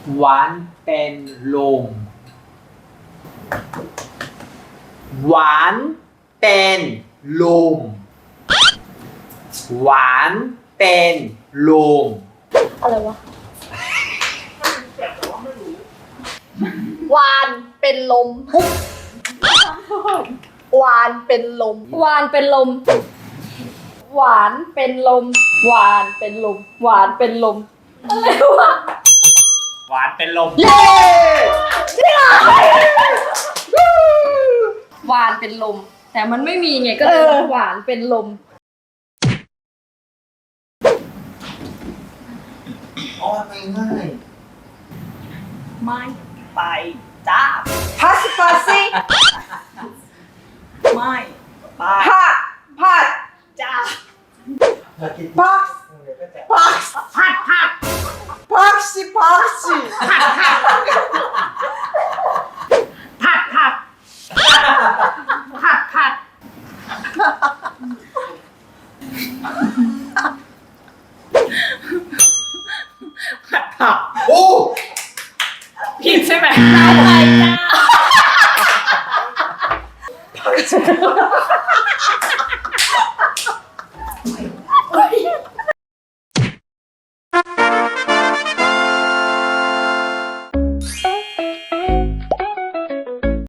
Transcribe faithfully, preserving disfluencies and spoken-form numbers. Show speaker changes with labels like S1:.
S1: หวานเป็นลมหวานเป็นลมหวานเป็นลม
S2: อะไรวะวานเป็นลมวานเป็นลมวานเป็นลมหวานเป็นลมหวานเป็นลมหวานเป็นลมอะไรวะ
S1: หวานเป็นลม
S2: เย้จริงเหรอหวานเป็นลมแต่มันไม่มีไงก็เลยหวานเป็นลม
S1: อ๋อไม่ง่าย
S3: ไม่ไปจ้า
S4: พัสพัสซี่
S3: ไม่ไป
S4: ผัดผัด
S3: จ้า
S4: พักพักผัดผัดพักสิพักสิ
S3: ผัดผัดผัดผัดผัดผัด
S1: โอ้
S3: ผิดใช่ไหมไปจ้า